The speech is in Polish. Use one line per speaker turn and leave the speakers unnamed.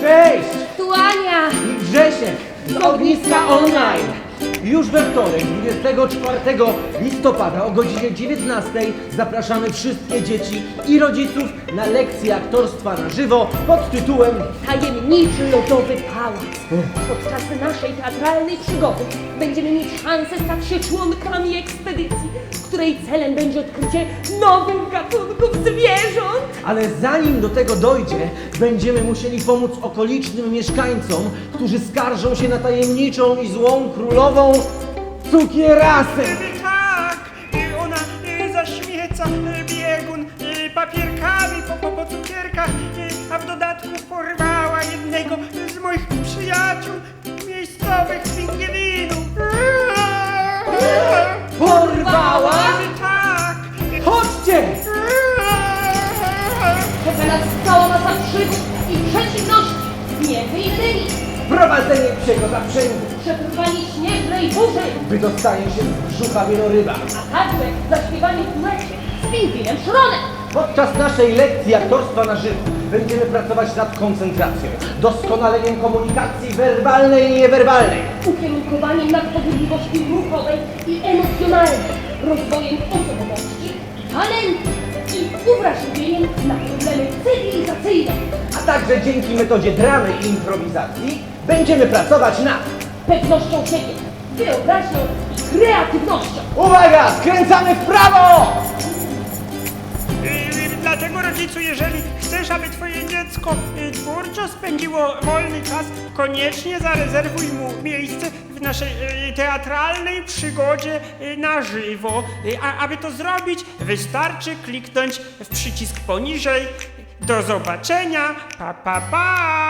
Cześć!
Tu Ania!
I Grzesiek z Ogniska Online. Już we wtorek, 24 listopada o godzinie 19 zapraszamy wszystkie dzieci i rodziców na lekcję aktorstwa na żywo pod tytułem
Tajemniczy lodowy pałac. Podczas naszej teatralnej przygody będziemy mieć szansę stać się członkami ekspedycji, której celem będzie odkrycie nowych gatunków zwierząt.
Ale zanim do tego dojdzie, będziemy musieli pomóc okolicznym mieszkańcom, którzy skarżą się na tajemniczą i złą królową cukierasę.
Tak, ona zaśmieca biegun papierkami po cukierkach, a w dodatku porwała jednego z moich przyjaciół, miejscowych pingwinów.
Porwała?
Tak.
Chodźcie!
Czeka nas cała masa przygód i przeciwności. Między innymi
Prowadzenie psiego zaprzęgu,
przetrwanie śnieżnej burzy,
wydostanie się z brzucha wieloryba.
a także zaśpiewanie w duecie z pingwinem Szronem.
Podczas naszej lekcji aktorstwa na żywo będziemy pracować nad koncentracją, doskonaleniem komunikacji werbalnej i niewerbalnej,
Ukierunkowaniem nadpobudliwości ruchowej i emocjonalnej, rozwojem osobowości, talentu i uwrażliwieniem na problemy cywilizacyjne.
a także dzięki metodzie dramy i improwizacji będziemy pracować nad...
Pewnością siebie, wyobraźnią i kreatywnością.
Uwaga! Skręcamy w prawo!
Dlatego rodzicu, jeżeli chcesz, aby twoje dziecko twórczo spędziło wolny czas, koniecznie zarezerwuj mu miejsce w naszej teatralnej przygodzie na żywo. A aby to zrobić, wystarczy kliknąć w przycisk poniżej. Do zobaczenia, pa pa pa!